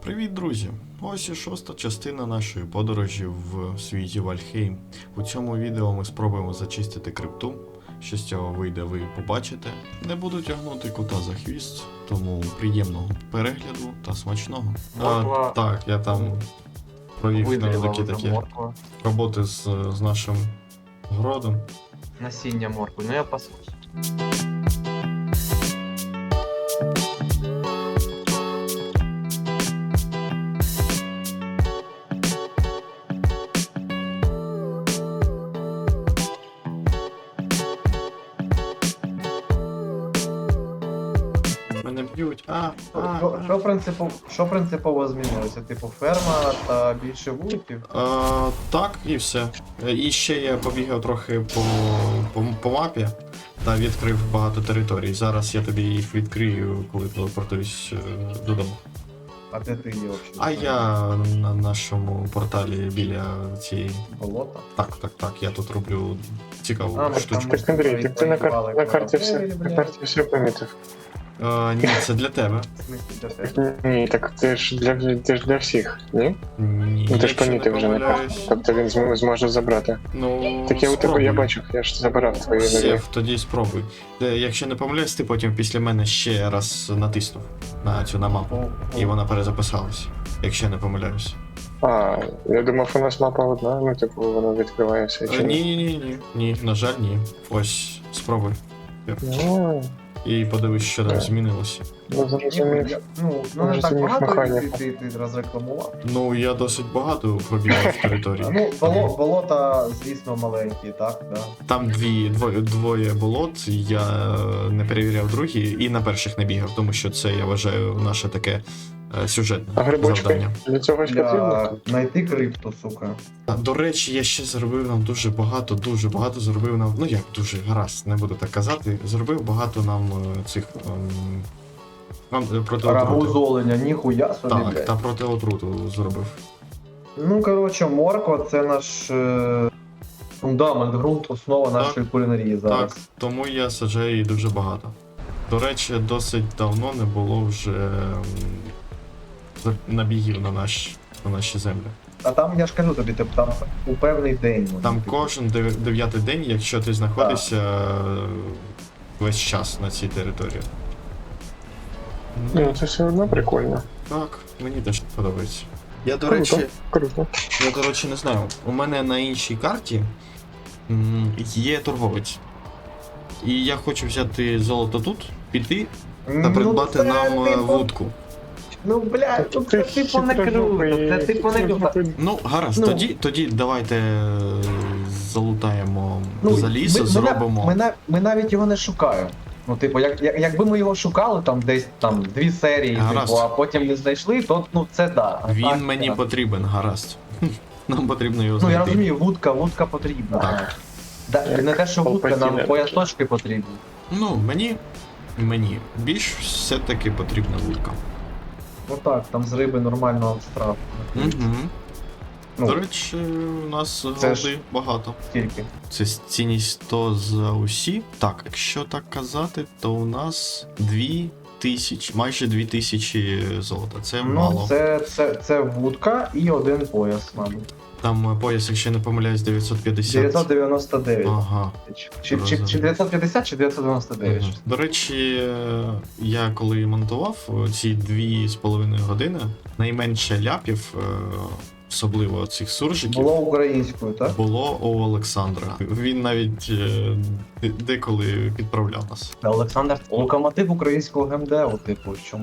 Привіт, друзі! Ось і шоста частина нашої подорожі в світі Вальхейм. У цьому відео ми спробуємо зачистити крипту. Що з цього вийде, ви побачите. Не буду тягнути кота за хвіст, тому приємного перегляду та смачного. Так, я там провів невеликі такі роботи з нашим городом. Насіння моркви, ну я пасусь. Мене б'ють. Що принципово змінилося? Типу ферма та більше вуликів? Так, і все. І ще я побігав трохи по мапі та відкрив багато територій. Зараз я тобі їх відкрию, коли телепортуюсь додому. А де ти є взагалі? А я на нашому порталі біля цієї... Болота? Так, я тут роблю цікаву штучку. Так, Андрій, так ти на карті все помітив. Ні, це для тебе. В смислі для тебе? Ні, так це ж для всіх, ні? Ні, Ну ти ж якщо не помітив вже на карті. помиляюсь. Тобто він зможе забрати. Ну, Так я у тебе, я спробуй. бачив, я ж забирав твої нові. Сєв, тоді спробуй. Якщо не помиляюсь, ти потім після мене ще раз натиснув на цю мапу. І вона перезаписалась, якщо я не помиляюсь. А, я думав, у нас мапа одна, ну типу воно відкриває все. чи Ні, на жаль, ні. Ось, спробуй. Ну, І подивись, що там змінилося. ну зрозумів. Ну не так Зрозумів багато механіку. ти розрекламував. Ну, я досить багато пробігав в території. Ну, болота, звісно, маленькі, так? Да. Там двоє болот, я не перевіряв другі і на перших не бігав, тому що це, я вважаю, наше таке сюжетне А грибочки? завдання. Для цього ж Для потрібно? знайти крипту, сука. До речі, я ще зробив нам дуже багато зробив нам. Ну як дуже гаразд, не буду так казати. Зробив багато нам цих проти Рагу отрути. з оленя, ніхуя собі, Так, блядь. та проти отруту зробив. Ну, коротше, морква це наш фундамент, ґрунт, основа нашої кулінарії зараз. Так, тому я саджаю її дуже багато. До речі, досить давно не було вже набігів на наші землі. А там, я ж кажу тобі, типу, там у певний день. вони, Там типу. кожен 9-й день, якщо ти знаходишся весь час на цій території. Ну це все одно прикольно. Так, мені теж подобається. Я, до Круто. речі, не знаю. У мене на іншій карті є торговець. І я хочу взяти золото тут, піти та придбати це, нам типу, вудку. Ну, блядь, ну, це типу не круто, це типу не круто. Ну, гаразд, Ну. тоді давайте залутаємо Ну, заліз, зробимо. ми навіть його не шукаємо. Ну, типу, якби ми його шукали там десь там 2 серії, Гаразд. типу, а потім не знайшли, то ну це да. А Він так, мені так. потрібен, гаразд. Нам потрібно його Ну знайти. я розумію, вудка потрібна. Так. Да, не те, що вудка, нам Палпатіна. поясочки потрібні. Ну, мені більш все-таки потрібна вудка. Ну так, там з риби нормального штрафу. Угу. Ну, До речі, у нас це ж- голди багато. скільки? Це цінність 100 за усі. Так, якщо так казати, то у нас 2000, майже 2000 золота. Це мало. Ну, це вудка і 1 пояс, мабуть. Там пояс, якщо не помиляюсь, 950. 999. Ага. Чи 950, чи 999. Мгм. До речі, я коли монтував ці 2,5 години, найменше ляпів, особливо цих суржиків, Було українською, так? було у Олександра. Він навіть деколи підправляв нас. Олександр локомотив українського ГМДУ, типу, чому?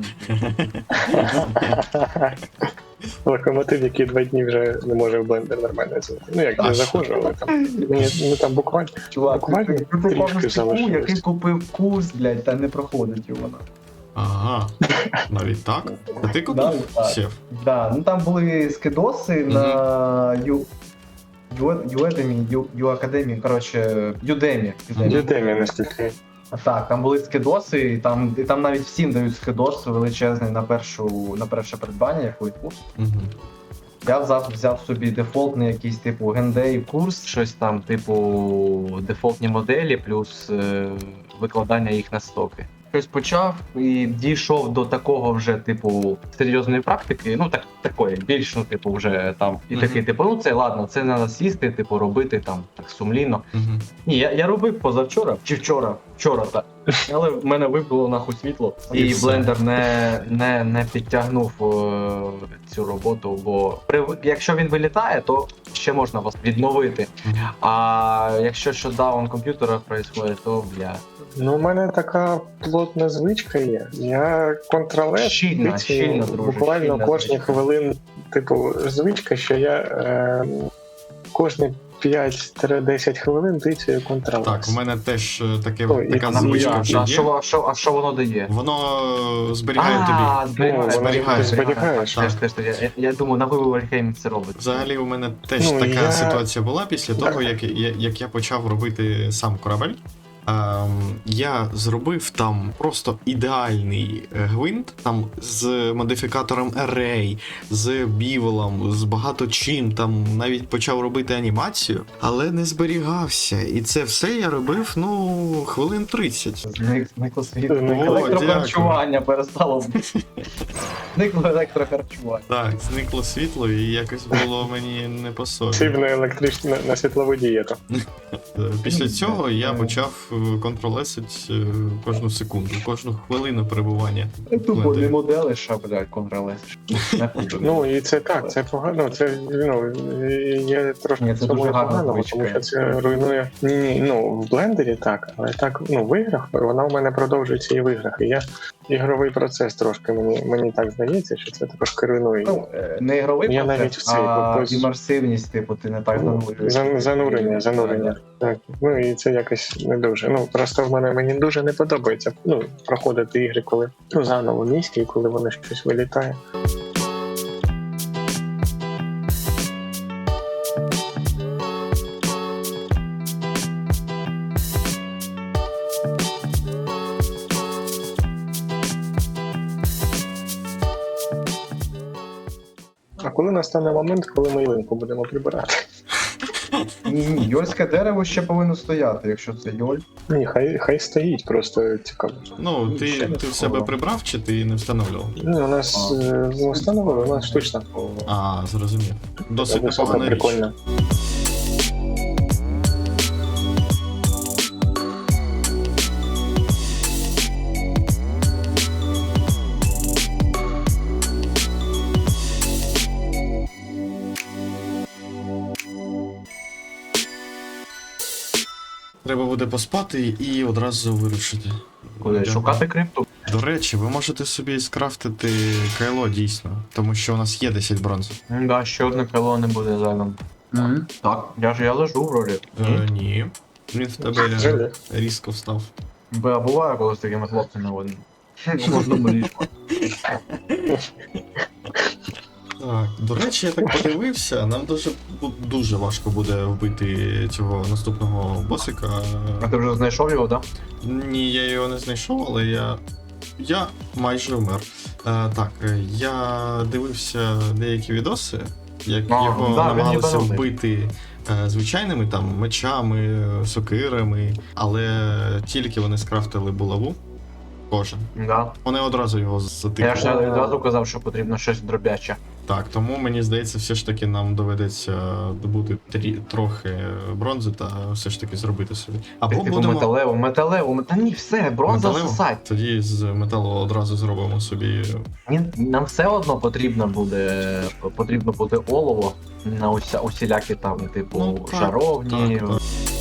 Локомотив, який 2 дні вже не може в блендер нормально зайти. Ну як, А не що? заходжу, але там. Ну там буквально. Чувак, Буквально ти попав трішки в стіку, залишилось. який купив курс, блядь, та не проходить його. Ага, навіть так? А ти куди Да, так. сів? Да, ну там були скидоси на Ю-Академії, коротше, Udemy. Дітей наскільки. Так, там були скидоси, і там навіть всім дають скидос величезний на перше придбання якогось курсу. Угу. Я взяв собі дефолтний якийсь типу гендей курс, щось там, типу, дефолтні моделі, плюс викладання їх на стоки. щось почав і дійшов до такого вже, типу, серйозної практики, ну такої, більш, ну, типу, вже там, і такий, типу, ну це ладно, це треба сісти, типу, робити там так сумлінно. Ні, я робив позавчора, чи вчора, так. Але в мене вибило нахуй світло, І і все. блендер не підтягнув цю роботу, бо якщо він вилітає, то ще можна вас відновити. А якщо шотдаун комп'ютера відбувається, то бля. Ну, у мене така плотна звичка є. Я контролер Щільна, друже, буквально щільна кожні звичка. хвилин, типу, звичка, що я кожні 5-10 хвилин тицюю контролер. Так, у мене теж Ой, така і звичка я- вже А є. що воно дає? Воно зберігає тобі. зберігає. Зберігаєш, Теж. Я думаю, на вибор Вальхейм це робить. Взагалі у мене теж Ну, така я- ситуація була після того, як я почав робити сам корабель. Я зробив там просто ідеальний гвинт, там з модифікатором Array, з бівелом, з багато чим, там навіть почав робити анімацію, але не зберігався. І це все я робив, ну, хвилин 30. Зникло світло. О, Електрохарчування перестало. Зникло електрохарчування. Так, зникло світло і якось було мені не по собі. Сів на електричну, на світлову дієту. Після цього я почав контролесить кожну секунду, кожну хвилину перебування. Тупо не моделиш, а, блядь, контролес. Ну, і це так, це погано, це, ну, є трошки Ні, в це цьому дуже гарна поганого, звичка. тому що це руйнує. Ні, ну, в блендері так, але так, ну, в іграх, вона у мене продовжується і в іграх. І я ігровий процес трошки, мені так здається, що це трошки руйнує. Ну, не ігровий Я навіть процес, в цей, а ось- імерсивність, типу, ти не так занурюєш. Занурення. Так. Ну і це якось не дуже. Ну просто мені дуже не подобається проходити ігри, коли заново міські, і коли воно щось вилітає. А коли настане момент, коли ми ялинку будемо прибирати? Ні, йольське дерево ще повинно стояти, якщо це йоль. Ні, хай стоїть, просто цікаво. Ну, Ще не ти в скоро. себе прибрав чи ти не встановлював? Ну, у нас встановили, у нас штучно. А, зрозумів. Досить Високо, непогана річ. прикольно. Треба буде поспати і одразу вирушити. Куди? Дякую. Шукати крипту? До речі, ви можете собі скрафтити кайло дійсно, тому що у нас є 10 бронзи. Да, ще одне крило не буде зайвим. Так, я лежу вроді. Ні. Він в тебе Жаль. різко встав. Бо буває, коли з такими хлопцями в одному ліжку. Так, до речі, я так подивився, нам дуже важко буде вбити цього наступного босика. А ти вже знайшов його, так? Ні, я його не знайшов, але я майже вмер. Я дивився деякі відоси, як його він намагалися ніби вбити звичайними там мечами, сокирами, але тільки вони скрафтили булаву, кожен. Да. Вони одразу його Я затикали. ж відразу казав, що потрібно щось дробяче. Так, тому мені здається, все ж таки нам доведеться добути трохи бронзи та все ж таки зробити собі. Або Типу будемо металеву. Та ні, все, бронза металеву? сосать. Тоді з металу одразу зробимо собі. Нам все одно потрібно буде олово на усілякі там, типу, Ну, так, жаровні. так.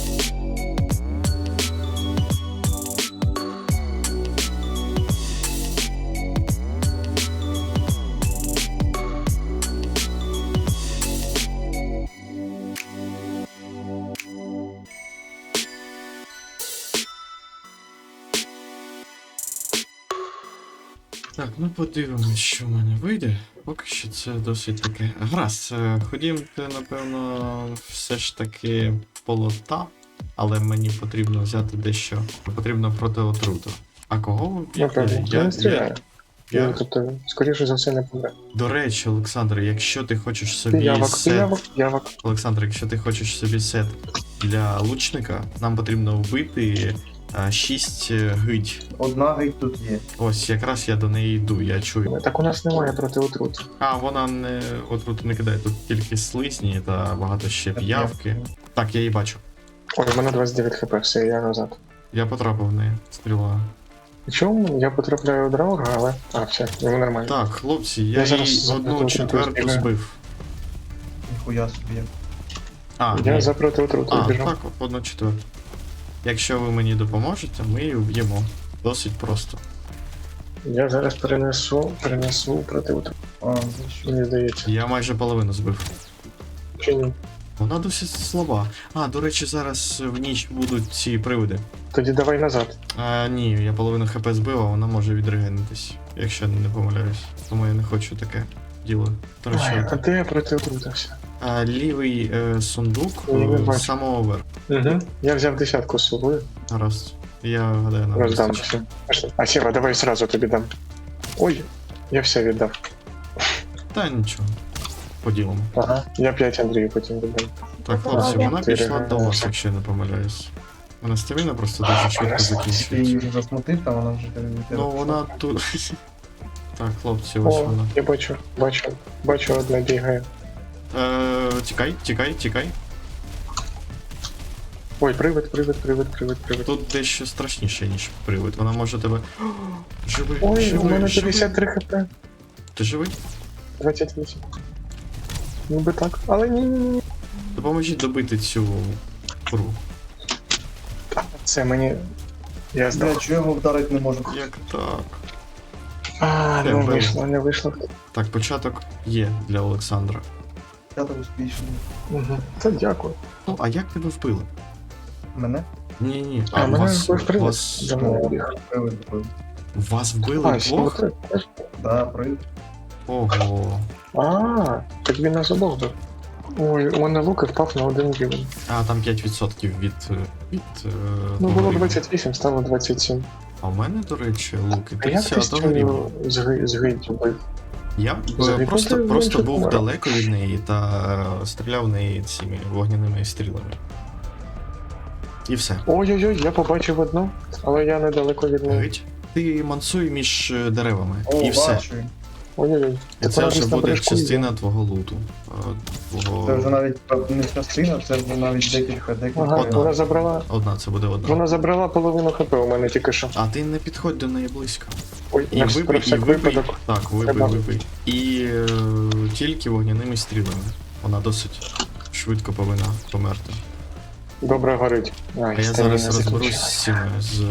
Так, ну подивимось, що в мене вийде. Поки що це досить таке. Гаразд, ходімте, напевно, все ж таки полота, але мені потрібно взяти дещо. Потрібно проти отруту. А кого ви Напевно, я не стріляю. я- Тобто, скоріше за все, не помре. До речі, Олександр, якщо ти хочеш собі Явок. Олександр, якщо ти хочеш собі сет для лучника, нам потрібно вбити 6 гидь. Одна геть тут є. Ось якраз я до неї йду, я чую. Так у нас немає проти отрут. А, вона не отруту не кидає, тут тільки слизні та багато ще п'явки. Так, я її бачу. Ой, у мене 29 хп, все, я назад. Я потрапив в неї. Стріла. Чому? Я потрапляю у драуга, але. А, все, йому нормально. Так, хлопці, я Я зараз їй запроти одну четверту отруту збив. Ніхуя собі. А, Я ні. за проти отруту А, біжу. так, одну четверту. Якщо ви мені допоможете, ми її вб'ємо. Досить просто. Я зараз перенесу проти отруту. А, за що? Мені здається. Я майже половину збив. Чи ні? Вона досить слаба. А, до речі, зараз в ніч будуть ці привиди. Тоді давай назад. Ні, я половину хп збив, а вона може відрегенитись, якщо не помиляюсь. Тому я не хочу таке діло. До речі, Ой, а де я проти отрути все? лівий сундук Я не бачу. з самого верху. Угу. Я взяв десятку з собою. Гаразд. Я гадаю, нам Роздам вистачить. все. Пішли. А Сєва, давай сразу тобі дам. Ой, я все віддав. Та нічого. Поділимо. Ага. Я 5 Андрію потім віддам. Так, хлопці, вона Ти пішла до вас, реагуєш. якщо я не помиляюсь. Вона стаміна просто дуже швидко Ти закінчується. її вже засмутив, там вона вже тебе не Ну вона тут. Так, хлопці, ось О, вона. я бачу, одна бігає. Тікай. Ой, привид. Тут дещо страшніше, ніж привид. Вона може тебе. Живий, Ой, у мене живий. 53 хп. Ти живий? 28. Ніби так. Але ні. Допоможіть добити цю куру. Це мені. Я Бля, здав. чого я його вдарити не можу? Як так? А, Де не вбив? не вийшло. Так, початок є для Олександра. Я так успішний. Угу. Та дякую. Ну, а як тебе вбили? Мене? Ні. А, мене вбив привид. вас, За мною біг. Привид вбив. вас вбили А, ще двох? оце. Да, привид. Ого. А, так він нас обох був. Ой, у мене лук і впав на один рівень. А, там 5% від Ну, того було рівня. 28, стало 27. А в мене, до речі, луки А як ти з 30 рівня. цю згидь бив? Я Взагалі, просто ти менше був помер. далеко від неї та стріляв в неї цими вогняними стрілами. І все. Ой-ой-ой, я побачив одну, але я недалеко від неї. Гить. Ти мансуй між деревами. О, і все. бачу. Ой-ой-ой. І Так це вона вже десь на буде бережку частина твого луту. Твого... Це вже навіть не частина, це вже навіть декілька. Ага, Одна. вона забрала. Одна. Вона забрала половину хп у мене тільки що. А ти не підходь до неї близько. Ой, І на вибий, про і всяк вибий. випадок. Так, Треба. вибий. І тільки вогняними стрілами. Вона досить швидко повинна померти. Добре горить. А я зараз розберусь з цими,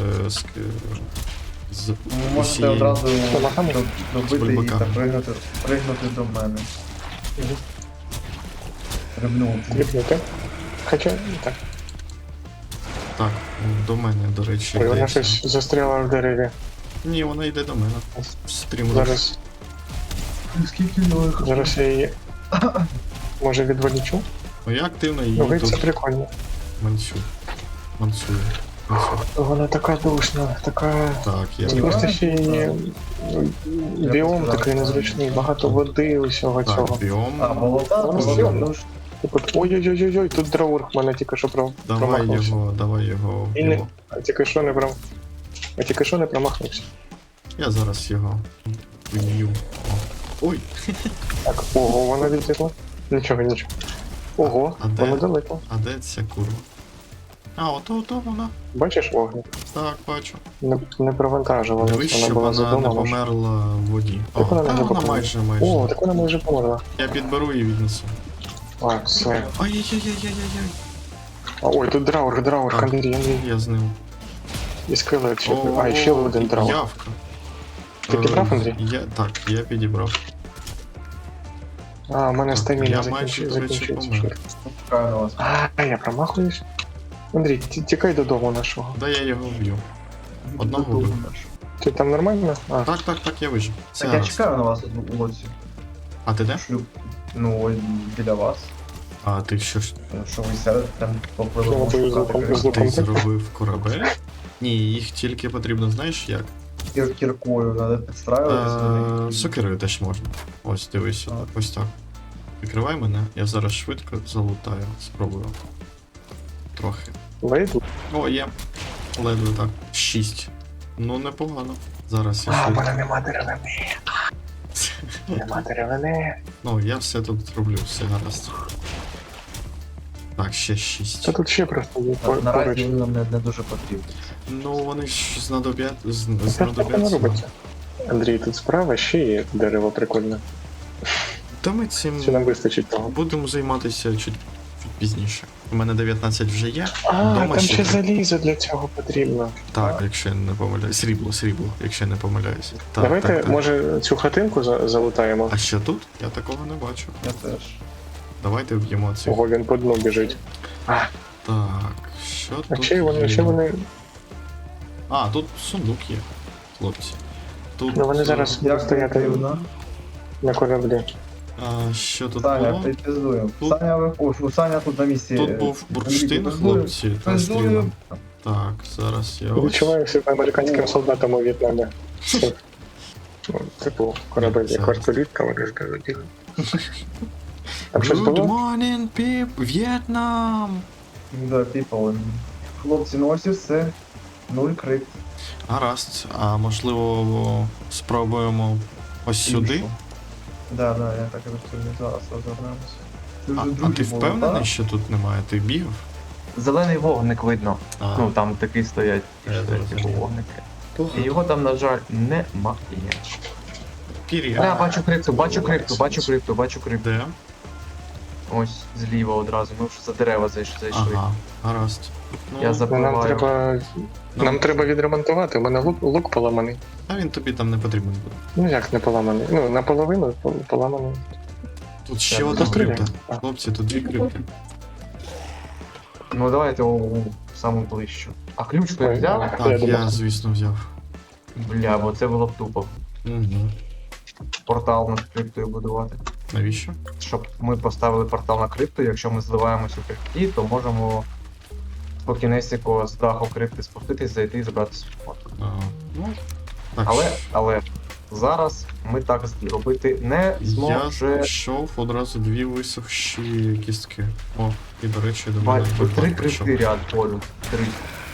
з Можете усією- одразу Помахами? добити її бульбаками. та пригнути до мене. Мгм. Рибнути. Кліпнути. Хоча, так. Так, до мене, до речі, Ой, вона йде. щось застряла в дереві. Ні, вона йде до мене. Стрімлю. Скільки нових? Зараз я її. Може відволічу? Ну я активно її Ну, геть це тут прикольно. мансую. Вона така душна, така. Так, я Ні, Просто вона- ще її біом такий незвичний, багато води, усього так, цього. біом. А, болота? Вона Болота. зелена. Ну ж, Типу, ой-ой-ой-ой, тут драург мене тільки що Давай промахнувся. його І не, вб'ємо. а тільки що не промахнувся. Я зараз його вб'ю. О. Ой, Так, ого, вона відлітла. Нічого. Ого, А де? вона далеко. а де ця курва? А, ото вона. Бачиш вогник? Так, бачу. Не провантажувалась, Дивись, вона щоб була вона не задумана. померла в воді. О, Так вона та не вона померла. майже. О, так вона майже померла. Я підберу і віднесу. А, все. Ай-яй-яй-яй-яй-яй. А, ой, тут драур, Так. Андрій. Я з ним. І скелет ще. О, А, і ще один драур. Явка. Ти підібрав, Андрій? Так, я підібрав. А, у мене Так, стаміна я майже, до речі, закінчується. помер. чекаю на вас. А, я промахуюсь. Андрій, тікай додому нашого. Да я його вб'ю. Одного Додому вбив. наш. Ти там нормально? А, Так, я вижив. Все Так, я гаразд. чекаю на вас тут у лодці. А ти де? Шлюб. Ну, ось біля вас. А ти що ж? Що ви сядете там попливли Ну, бо з луком- шукати з луком. Ти зробив корабель? Ні, їх тільки потрібно, знаєш як? кіркою, треба підстраюватися до них. Сокирою теж можна. Ось дивись, Так. ось так. Прикривай мене, я зараз швидко залутаю, спробую. Трохи. вийду. О, є. Ледве так. 6. Ну, непогано. Зараз я А, в швидко. мене нема деревини. Нема деревини. Ну, я все тут зроблю, все гаразд. Так, ще 6. Та тут ще просто є поруч. Наразі він нам не дуже потрібен. Ну, вони ж Це ж так не знадобляться. робиться. Андрій, тут справа ще є дерево прикольне. Та ми цим Чи нам вистачить того? будемо займатися чуть пізніше. У мене 19 вже є. А, Дома там ще ще три. залізо для цього потрібно. Так, якщо я не помиляюсь. Срібло, якщо я не помиляюся. Так, Давайте, так, так. може, цю хатинку залутаємо. А що тут? Я такого не бачу. Я теж. Давайте вб'ємо цих. Ого, він по дну біжить. Так, що А тут? чи вони, є? ще вони. А, тут сундук є, хлопці. Тут. Ну вони зараз Як будуть стояти потрібно. на кораблі. Що тут Саня, було? підпіздуємо. Тут- Саня тут на місці. Тут був бурштин, Підпіздуємо. хлопці, та Підпіздуємо. стрілом. Так, зараз я ось. Відчуваю себе американським солдатом у В'єтнамі. Ну, типу, корабель як вертолітка, вони ж кажуть. Там щось Good було? morning, people, В'єтнам! Да, people. Хлопці, ну ось і все. 0 крит. Гаразд, а можливо спробуємо ось сюди? Да, я так і розповім. Зараз розвернемося. Це вже А другий ти був, впевнений, так? що тут немає? Ти бігав? Зелений вогник видно. А, Ну там такі стоять Я зрозумів. типу вогники. І його там, на жаль, немає. Пір'я. Да, бачу крипту. Де? Ось зліва одразу. Ми вже за дерева зайшли. Ага, гаразд. Я Ну, нам забиваю. треба. Ну. Нам треба відремонтувати, у мене лук поламаний. А він тобі там не потрібен буде. Ну як не поламаний? Ну, наполовину поламаний. Тут ще Так, одна постріляй. крипта. А. Хлопці, тут 2 крипти. Ну давайте у саму ближчу. А ключ ти Ой, взяв? Я Так, думав. я, звісно, взяв. Бля, бо це було б тупо. Угу. Портал над криптою будувати. Навіщо? Щоб ми поставили портал на крипту, якщо ми зливаємось у крипті, то можемо по кінесіку з даху крипти спуститись, зайти і забрати свій. Ну, так. Але зараз ми так зробити не Я зможемо. знайшов одразу 2 висохші кістки. О, і до речі, до мене Бачу, бульбак 3 прийшов. крипти ряд полю. 3.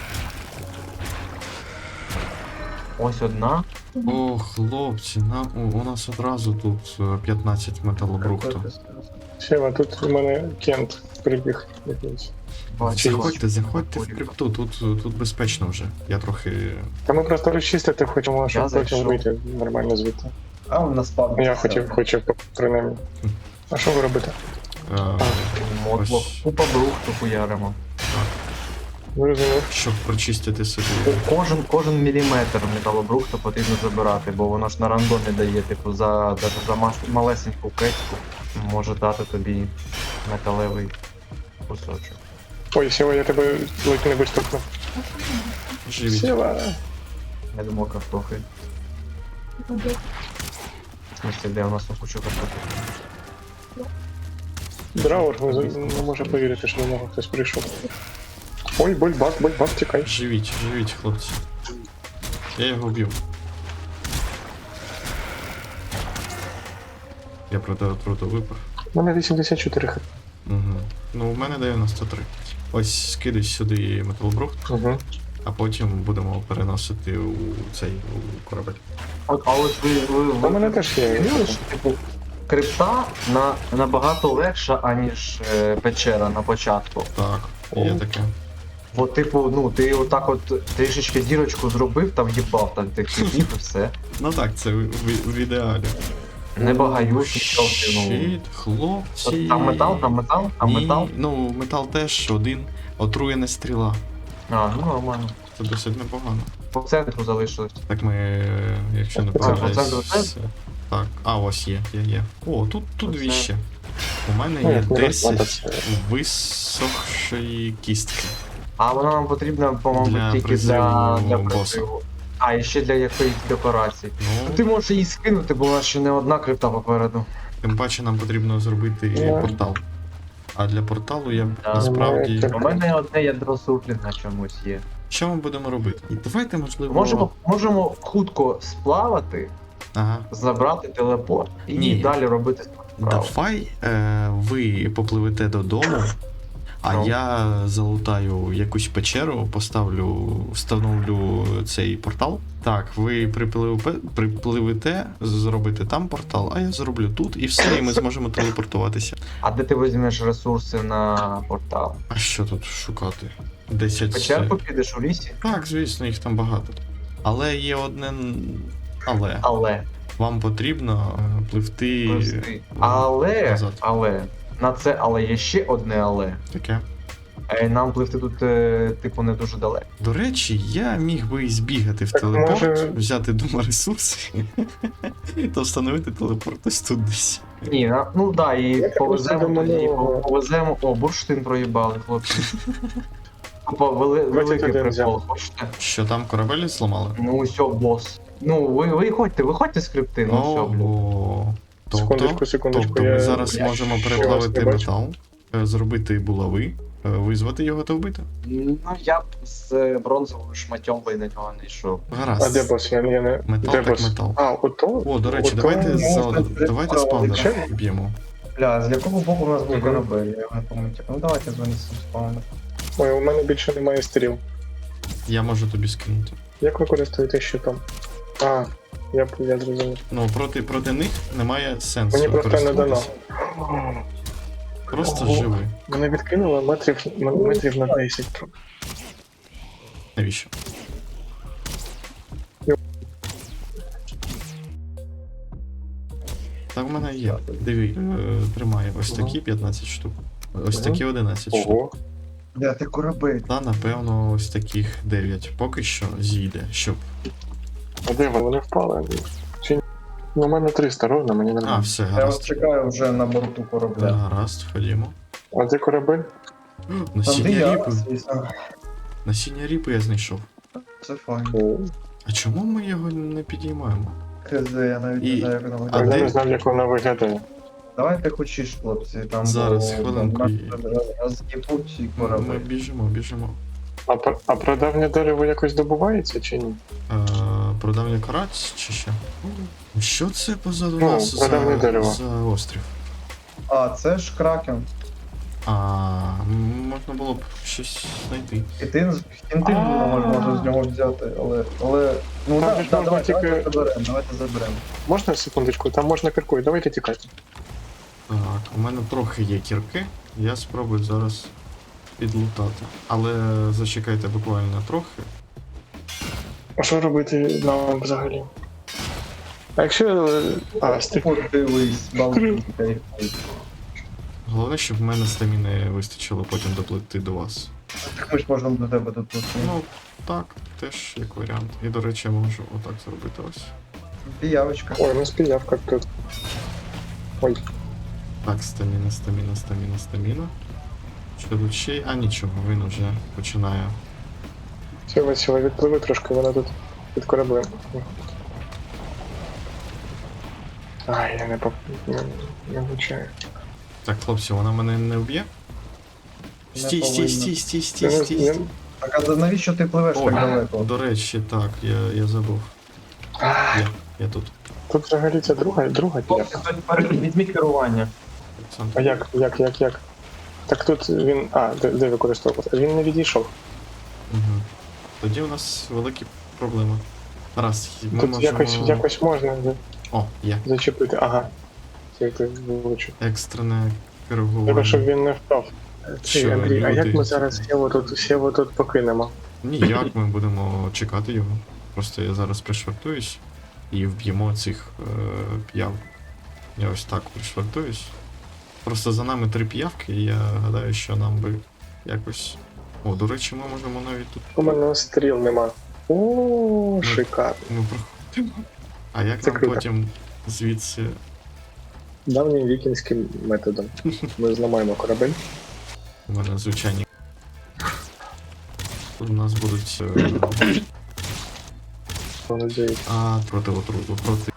Ось одна. О, хлопці, у нас одразу тут 15 металобрухту. Сєва, тут у мене Кент прибіг якийсь. Бачу. Заходьте в крипту, тут безпечно вже. Я трохи. Та ми просто розчистити хочемо, щоб потім зайшов. вийти нормально звідти. А он на спавні. Я хочу принаймні. А що ви робите? Мотлок. Ось. Купа брухту хуяримо. Зрозумів. щоб прочистити собі. Кожен міліметр металобрухту потрібно забирати, бо воно ж на рандомі дає, типу, за малесеньку кецьку може дати тобі металевий кусочок. Ой, Сєва, я тебе ледь не виступну. Живіть. Сєва. Я думав, картохи. В смысле, де у нас тут кучу картохи? Драур не може повірити, що до нього хтось прийшов. Ой, бульбак, тікай. Живіть, хлопці. Я його вбив. Я проти отруту випав. У мене 84 хп. Угу. Ну, у мене 93. Ось скидай сюди металобрухт, Угу. а потім будемо переносити у цей у корабель. А ось У мене теж є. змінили, що, типу, крипта набагато легша, аніж печера на початку. Так, є таке. Бо, типу, ну, ти отак от трішечки дірочку зробив, там їбав там тих типів і все. Ну так, це в ідеалі. Не багаюсь, Щит, хлопці. Там метал. Ні, ну, метал теж один. Отруєна стріла. А, ну нормально. Це досить непогано. По центру залишилось. Так ми, якщо не Це помиляюсь. це все. Так, а ось є. О, тут дві Оце. ще. У мене Ну, є як не 10 розкладати. висохшої кістки. А вона нам потрібна, по-моєму, Для тільки призиву для боса. призиву. А, і ще для якоїсь декорації. Ну, Ти можеш її скинути, бо у нас ще не одна крипта попереду. тим паче нам потрібно зробити Ну. портал. А для порталу я Да. насправді. Так. У мене одне ядро суплінга чомусь є. Що ми будемо робити? І давайте, можливо. Можемо хутко сплавати, Ага. забрати телепорт і Ні. далі робити справу. Давай ви попливете додому, А Ну. я залутаю якусь печеру, встановлю цей портал. Так, ви припливете, зробите там портал, а я зроблю тут, і все, і ми зможемо телепортуватися. А де ти візьмеш ресурси на портал? А що тут шукати? 10... Печерку підеш у лісі? Так, звісно, їх там багато. Але є одне але. Але. Вам потрібно пливти. назад. Але. На це але є ще одне але. Таке. Нам пливти тут, типу, не дуже далеко. До речі, я міг би і збігати в Так, телепорт, може- взяти дома ресурси та встановити телепорт ось тут десь. Ні, ну да, і Я так повеземо просто тоді, думаю, повеземо. О, бурштин проїбали, хлопці. Тупо великий 21 прикол, взяв. хочете? Що там корабель зламали? Ну все, бос. Ну, виходьте з крипти, ну все, блін. Ого. Секундочку, Тобто ми я... зараз я можемо ще переплавити вас не бачу. метал, зробити булави, визвати його та вбити. Ну, я б з бронзовим шматьом би на нього не йшов. Гаразд. А де бос? Я не... Метал де так бос? метал. А, ото? О, до речі, Ото давайте можна давайте зробити спавнер ще? б'ємо. Бля, з якого боку у нас був Мгм. корабель, я його не пам'ятаю. Ну давайте занесемо спавнер. Ой, у мене більше немає стріл. Я можу тобі скинути. Як ви користуєтесь щитом? А, я зрозумів. Ну, проти них немає сенсу. Мені просто не дано. користуватися. Просто Ого. живи. Мене відкинуло метрів на 10. Навіщо? Так в мене є. Диви, тримає ось такі 15 штук. Ось Ага. такі 11 штук. Ого. Бля, ти корабель. Та напевно ось таких 9. Поки що зійде, щоб. А де вони впали? Чи ні? Ну, у мене 300 ровно, мені не А, нравится. все, Я вас гаразд. чекаю вже на борту корабля. Гаразд, ходімо. А де корабель? Там де Насіння я, ріпи. звісно. Насіння ріпи я знайшов. Це файн. О, А чому ми його не підіймаємо? КЗ, я навіть І- не знаю, як воно А виглядає. Я де- не знав, як вона виглядає. Давайте хочеш, хлопці, там Зараз, бо- хвилинку. нас роз'їбуть і Ми корабель. біжимо. А прадавнє дерево якось добувається чи ні? Продавня караць чи що? Що це позаду Ну, нас прадавнє дерево. за острів? А, це ж кракен. Можна було б щось знайти. Хінти можна з нього взяти, але... Ну Там так, же ж можна тільки- давайте заберемо. Можна секундочку? Там можна киркою, давайте тікати. Так, у мене трохи є кірки, я спробую зараз підлутати. Але зачекайте буквально трохи. А що робити нам взагалі? А якщо... стик. От дивись, балки. Головне, щоб в мене стаміни вистачило потім доплити до вас. Так ми ж можемо до тебе тут пустити. Ну, так, теж як варіант. І, до речі, я можу отак зробити ось. Піявочка. Ой, ну спіяв як тут. Ой, Так, стаміна. Що тут ще? А нічого, він вже починає. все, відпливи трошки, вона тут під кораблем. Ай, я не влучаю. Так, хлопці, вона мене не вб'є? Не Стій. Так, а навіщо ти пливеш Ой, так далеко? до речі, так, я забув. Я тут. Тут взагалі це друга піявка. Візьміть керування. А як? Так тут він... А, де використовувати? Він не відійшов. Угу. Тоді у нас великі проблеми. Раз, ми Тут можемо... якось можна О, є. зачепити. Ага. Це ти влучив. Екстрене керування. Треба, щоб він не впав. Що, Андрій, а як люди? ми зараз Сєву тут покинемо? Ніяк, ми будемо чекати його. Просто я зараз пришвартуюсь і вб'ємо цих п'яв. Я ось так пришвартуюсь. Просто за нами 3 п'явки, і я гадаю, що нам би якось. О, до речі, ми можемо навіть тут. У мене стріл нема. О, шикарно. Ми проходимо. А як Це нам круто. потім звідси. Давнім вікінським методом. Ми зламаємо корабель. У мене звичайні. Тут у нас будуть. Надіюсь. Проти отруту, проти.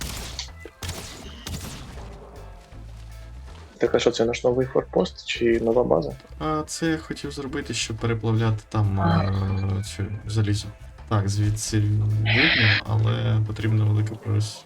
Так, а що це наш новий форпост чи нова база? Це я хотів зробити, щоб переплавляти там цю залізо. Так, звідси видно, але потрібна велика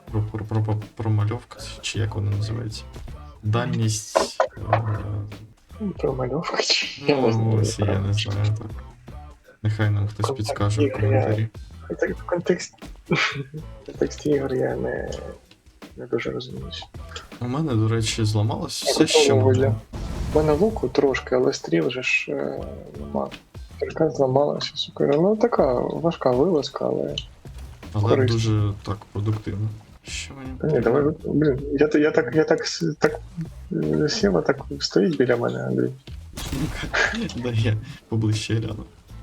промальовка, чи як вона називається. Дальність Промальовка чи я не Ну, знаю. ось я не знаю так. Нехай нам хтось Контакт підскаже в ігор, коментарі. Так, в контексті ігор я не дуже розуміюся. У мене, до речі, зламалось Я все, що готовий, могло. У мене луку трошки, але стріл же ж нема. Така зламалася, сука. Ну така важка вилазка, але. Але корисно. дуже так продуктивно. Що Та мені? ні, давай, блін, Сєва так стоїть біля мене, Андрій. Да я поближче гляну.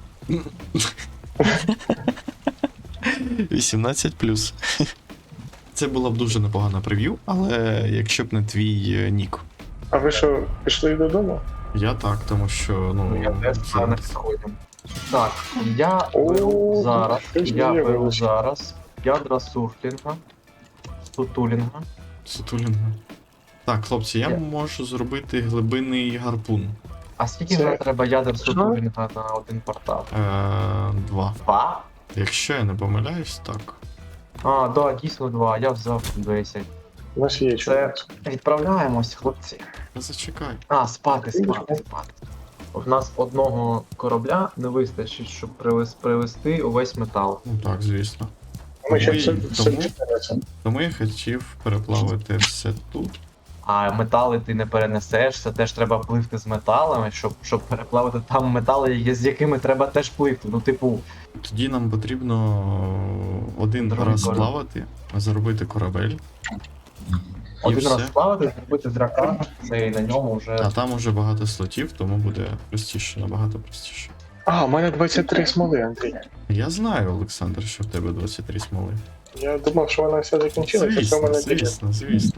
18+. Це була б дуже непогана прев'ю, але якщо б не твій нік. А ви що, пішли додому? Я так, тому що, ну, Я теж це- на них сходжу. Так, я О, беру зараз, щось я беру виявилось. зараз ядра сурфлінга, сутулінга. Сутулінга. Так, хлопці, я Я- можу зробити глибинний гарпун. А скільки Це- нам треба ядер сутулінга на один портал? 2. 2? Якщо я не помиляюсь, так. А, да, дійсно 2, я взяв 10. У нас є Це чоловік. відправляємось, хлопці. Та зачекай. А, спати. У нас одного корабля не вистачить, щоб привезти увесь метал. Ну так, звісно. Ми ще Ой, все тому- чекаємо. Тому я хотів переплавити все тут. А метали ти не перенесеш, це теж треба пливти з металами, щоб переплавити там метали, з якими треба теж пливти. Ну, типу, Тоді нам потрібно один Другий раз корабель. плавати, заробити корабель. І один все. раз плавати, зробити дракона, це і на ньому вже. А там уже багато слотів, тому буде простіше, набагато простіше. А, у мене 23 смоли, Андрій. Я знаю, Олександр, що в тебе 23 смоли. Я думав, що вона вся закінчилася, що в Звісно, мене звісно.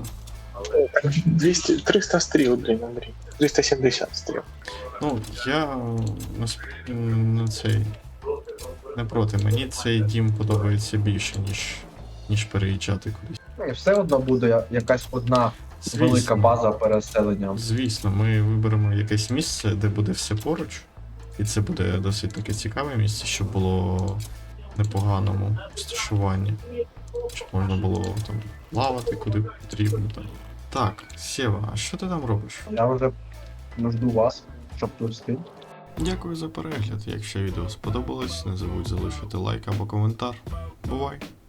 300 стріл, блін, Андрій. 370 стріл. Ну, я не цей. Не проти. Мені цей дім подобається більше, ніж переїжджати кудись. Ну, і все одно буде якась одна велика база переселення. Звісно, ми виберемо якесь місце, де буде все поруч. І це буде досить таке цікаве місце, щоб було в непоганому розташуванні. Щоб можна було там плавати куди потрібно. Так, Сєва, а що ти там робиш? Я вже жду вас, щоб тут стати. Дякую за перегляд. Якщо відео сподобалось, не забудь залишити лайк або коментар. Бувай!